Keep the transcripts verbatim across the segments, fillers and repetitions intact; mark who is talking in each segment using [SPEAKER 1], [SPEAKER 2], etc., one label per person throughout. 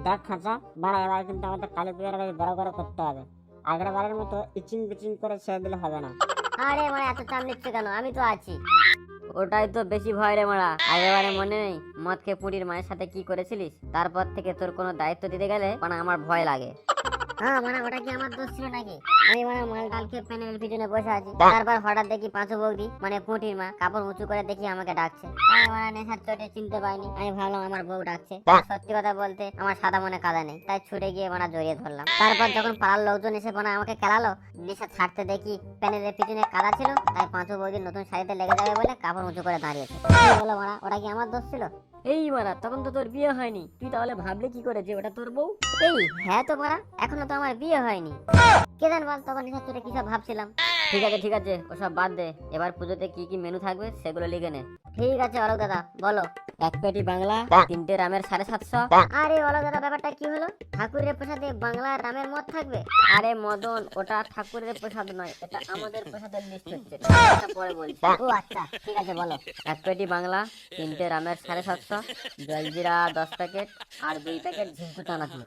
[SPEAKER 1] দেখ খাঁচা বাড়া, এবার কিন্তু আমাদের কালী পুজোটা বেশ বড় করে করতে হবে। আগের বারের মতো ইচিং বিচিং করে ছেড়ে দিলে হবে না।
[SPEAKER 2] আরে মানে এত চাপ নিচ্ছে কেন, আমি তো আছি। ওটাই তো বেশি ভয় রে মারা। আগেবারে মনে নেই মদ খেয়ে পুরীর মায়ের সাথে কি করেছিলিস? তারপর থেকে তোর কোনো দায়িত্ব দিতে গেলে মানে আমার ভয় লাগে। হ্যাঁ মানে ওটা কি আমার দোষ ছিল নাকি? আমি মানে মাল ডাল খেয়ে প্যানেলের পিছনে বসে আছি, তারপর হঠাৎ দেখি পাঁচু বৌদি মানে পুঁটির মা কাপড় উঁচু করে দেখি আমাকে ডাকছে। আমি মানে নেশার চোটে চিনতে পাইনি, আমি ভাবলাম আমার বউ ডাকছে। সত্যি কথা বলতে আমার সাদা মনে কাদা নেই, তাই ছুটে গিয়ে মানে জড়িয়ে ধরলাম। তারপর যখন পাড়ার লোকজন এসে মানে আমাকে খেলালো, নেশা ছাড়তে দেখি প্যানেলের পিছনে কাদা ছিল, তাই পাঁচু বৌদির নতুন শাড়িতে লেগে যাবে বলে কাপড় উঁচু করে দাঁড়িয়েছে। কি বলো মারা, ওটা কি আমার দোষ ছিল? এই মারা, তখন তো তোর বিয়ে হয়নি, তুই তাহলে ভাবলে কি করে যে ওটা তোর বউ? এই হ্যাঁ তো মারা, এখনো তো আমার বিয়ে হয়নি। কে জান বল, তখন নেশার চোটে কিসব ভাবছিলাম। ঠিক আছে ঠিক আছে, ওসব বাদ দে, এবার পুজোতে কি কি মেনু থাকবে সেগুলো লিখে নে। ঠিক আছে অলোক দাদা, বলো। এক পেটি বাংলা, তিনটে রামের সাড়ে সাতশো। আরে অলোক দাদা, ব্যাপারটা কি হলো? ঠাকুরের প্রসাদে বাংলা রামের মদ থাকবে? আরে মদন, ওটা ঠাকুরের প্রসাদ নয়, এটা আমাদের প্রসাদের লিস্ট হচ্ছে, এটা পরে বলছি। ও আচ্ছা ঠিক আছে বলো। এক পেটি বাংলা, তিনটে রামের সাড়ে সাতশো, জলজিরা দশ প্যাকেট, আর দুই প্যাকেট ঝিঙ্কু চানাচুর।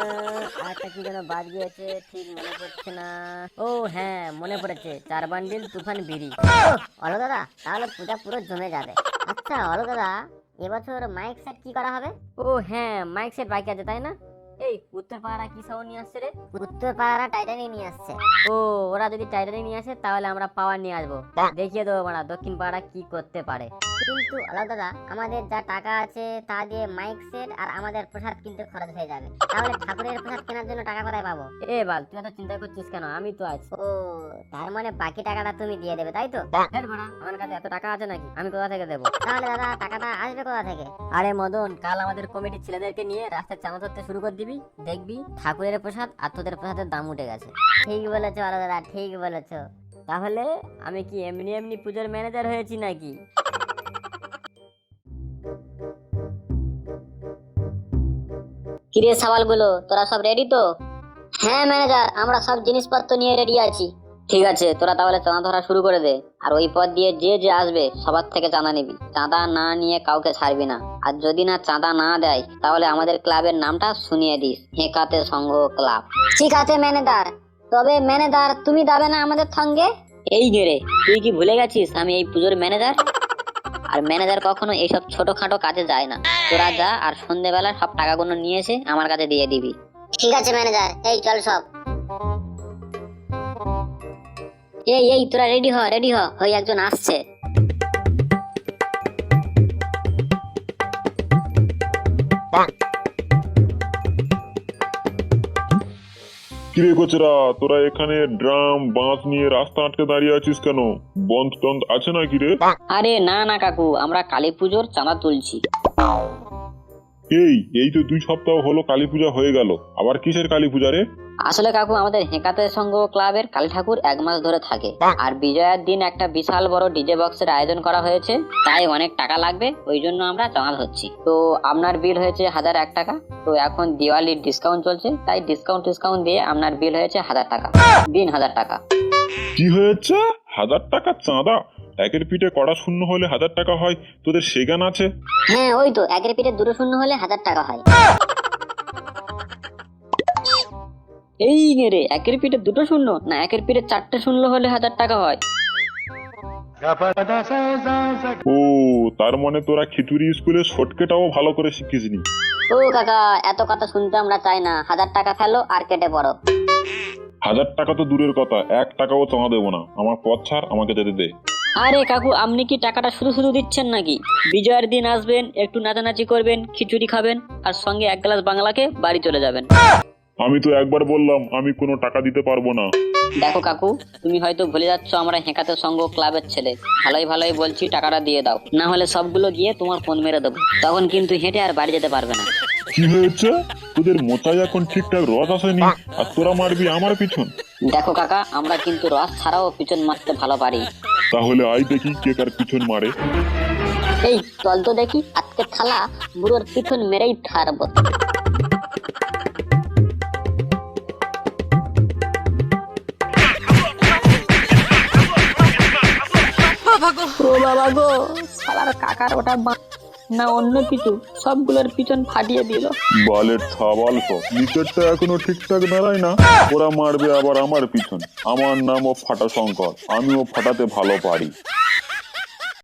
[SPEAKER 2] আর একটা কি যেন বাদ গিয়েছে, ঠিক মনে পড়ছে না। ও হ্যাঁ মনে পড়েছে, চার বান্ডিল তুফান বিড়ি। অলো দাদা, তাহলে পূজা পুরো জমে যাবে। আচ্ছা অলো দাদা, এবছর মাইক সেট কি করা হবে? ও হ্যাঁ, মাইক সেট বাইক আছে তাই না? এই উত্তর পাড়া কি সাউন্ড নিয়ে আসছে রে? উত্তর পাড়া টাইটানিক নিয়ে আসছে। ও ওরা যদি টাইটানিক নিয়ে আসে তাহলে আমরা পাওয়ার নিয়ে আসবো, দেখিয়ে দেবো মানে দক্ষিণ পাড়া কি করতে পারে। কিন্তু আলাদা দাদা, আমাদের যা টাকা আছে তা দিয়ে মাইক সেট আর আমাদের প্রসাদ কিনতে খরচ হয়ে যাবে, তাহলে ঠাকুরের প্রসাদ কেনার জন্য টাকা কোথায় পাবো? এ বাল, তুই এত চিন্তা করছিস কেন, আমি তো আছি। ও তার মানে বাকি টাকাটা তুমি দিয়ে দেবে তাই তো? হ্যাঁ বড়া, আমার কাছে এত টাকা আছে নাকি, আমি কোথা থেকে দেবো? তাহলে দাদা টাকাটা আসবে কোথা থেকে? আরে মদন, কাল আমাদের কমিটির ছেলেদেরকে নিয়ে রাস্তায় চাঁদা ধরতে শুরু করে দিবি, দেখবি ঠাকুরের প্রসাদ আর তোদের প্রসাদের দাম উঠে গেছে। ঠিক বলেছো আলাদা দাদা, ঠিক বলেছো। তাহলে আমি কি এমনি এমনি পুজোর ম্যানেজার হয়েছি নাকি? কিরে সওয়ালগুলো, তোরা সব রেডি তো? হ্যাঁ ম্যানেজার, আমরা সব জিনিসপত্র নিয়ে রেডি আছি। ঠিক আছে, তোরা তাহলে চাঁদা ধরা শুরু করে দে, আর ওই পথ দিয়ে যে যে আসবে সবার থেকে চাঁদা নিবি, চাঁদা না নিয়ে কাউকে ছাড়বি না। আর যদি না চাঁদা না দেয় তাহলে আমাদের ক্লাবের নামটা শুনিয়ে দিস, হেঁকাতে সংঘ ক্লাব। ঠিক আছে ম্যানেজার, তবে ম্যানেজার তুমি যাবে না আমাদের সঙ্গে? এই গেরে, তুই কি ভুলে গেছিস আমি এই পুজোর ম্যানেজার? আর ম্যানেজার কখনো এইসব ছোটখাটো কাজে যায় না। তোরা যা, আর সন্ধ্যেবেলা সব টাকাগুলো নিয়ে এসে আমার কাছে দিয়ে দিবি। ঠিক আছে ম্যানেজার, এই চল সব। এই এই তোরা রেডি হ, রেডি হ, ওই একজন আসছে।
[SPEAKER 3] কিরে কোচরা, তোরা এখানে ড্রাম বাঁশ নিয়ে রাস্তা আটকে দাঁড়িয়ে আছিস কেন? বন্ধ টন্ধ আছে না কিরে?
[SPEAKER 2] আরে না না কাকু, আমরা কালী পুজোর চাঁদা তুলছি।
[SPEAKER 3] এই এই তো দুই সপ্তাহ হলো কালী পূজা হয়ে গেল, আবার কিসের কালী পূজা রে?
[SPEAKER 2] আসলে কাকু, আমাদের হেঁকাতে সংঘ ক্লাবের কালী ঠাকুর এক মাস ধরে থাকে, আর বিজয়ার দিন একটা বিশাল বড় ডিজে বক্সের আয়োজন করা হয়েছে, তাই অনেক টাকা লাগবে, ওই জন্য আমরা চাঁদা ধরছি। তো আপনার বিল হয়েছে হাজার এক টাকা। তো এখন দিওয়ালির ডিসকাউন্ট চলছে, তাই ডিসকাউন্ট ডিসকাউন্ট দিয়ে আপনার বিল হয়েছে হাজার টাকা। দিন হাজার টাকা।
[SPEAKER 3] কি হয়েছে? হাজার টাকা চাঁদা? একের পিঠে কড়া শূন্য হলে হাজার টাকা হয়, তোদের সে জ্ঞান আছে?
[SPEAKER 2] হ্যাঁ ওই তো, একের পিঠে দুটো শূন্য হলে হাজার টাকা হয়। এই রে, একের পিঠে দুটো শূন্য না, একের পিঠে চারটে শূন্য হলে হাজার টাকা হয়।
[SPEAKER 3] ও তার মানে তোরা খিচুড়ি স্কুলে শর্টকেটাও ভালো করে শিখিসনি।
[SPEAKER 2] ও কাকা, এত কথা শুনতে আমরা চাই না, হাজার টাকা ফেলো আর কেটে পড়ো।
[SPEAKER 3] হাজার টাকা তো দূরের কথা, এক টাকাও চাঁদা দেবো না, আমার পথ ছাড়, আমাকে যেতে দে।
[SPEAKER 2] আরে কাকু, আপনি কি টাকাটা শুধু শুধু দিচ্ছেন নাকি? বিজয়ের দিন আসবেন, একটু নাচানাচি করবেন, খিচুড়ি খাবেন, আর সঙ্গে এক গ্লাস বাংলাকে বাড়ি চলে যাবেন।
[SPEAKER 3] আমি তো একবার বললাম আমি কোনো টাকা দিতে পারবো না।
[SPEAKER 2] দেখো কাকু, তুমি হয়তো ভুলে যাচ্ছ আমরা হেঁকাতে সংঘ ক্লাবের ছেলে। ভালোই ভালোই বলছি, টাকাটা দিয়ে দাও, না হলে সবগুলো গিয়ে তোমার ফোন মেরে দেবো, তখন কিন্তু হেঁটে আর বাড়ি যেতে পারবে না।
[SPEAKER 3] কি হয়েছে? তোদের মোচায় এখন ঠিকঠাক রস আসেনি, আর তোরা মারবি আমার পিছন?
[SPEAKER 2] দেখো কাকা, আমরা কিন্তু রস ছাড়াও পিছন মারতে ভালো পারি।
[SPEAKER 3] তাহলে আই দেখি কে কার পিছন মারে।
[SPEAKER 2] এই চল তো দেখি, আজকে থালা বুড়োর পিছন মেরেই ছাড়বো। ও বাবা গো, শালার কাকার ওটা
[SPEAKER 4] না অন্য কিছু, সবগুলোর পিছন ফাটিয়ে দিল।
[SPEAKER 3] বালের ছাবাল সব, নিচেরটা এখনো ঠিকঠাক দাঁড়ায় না, ওরা মারবে আবার আমার পিছন। আমার নামও ফাটা শঙ্কর, আমিও ফাটাতে ভালো পারি।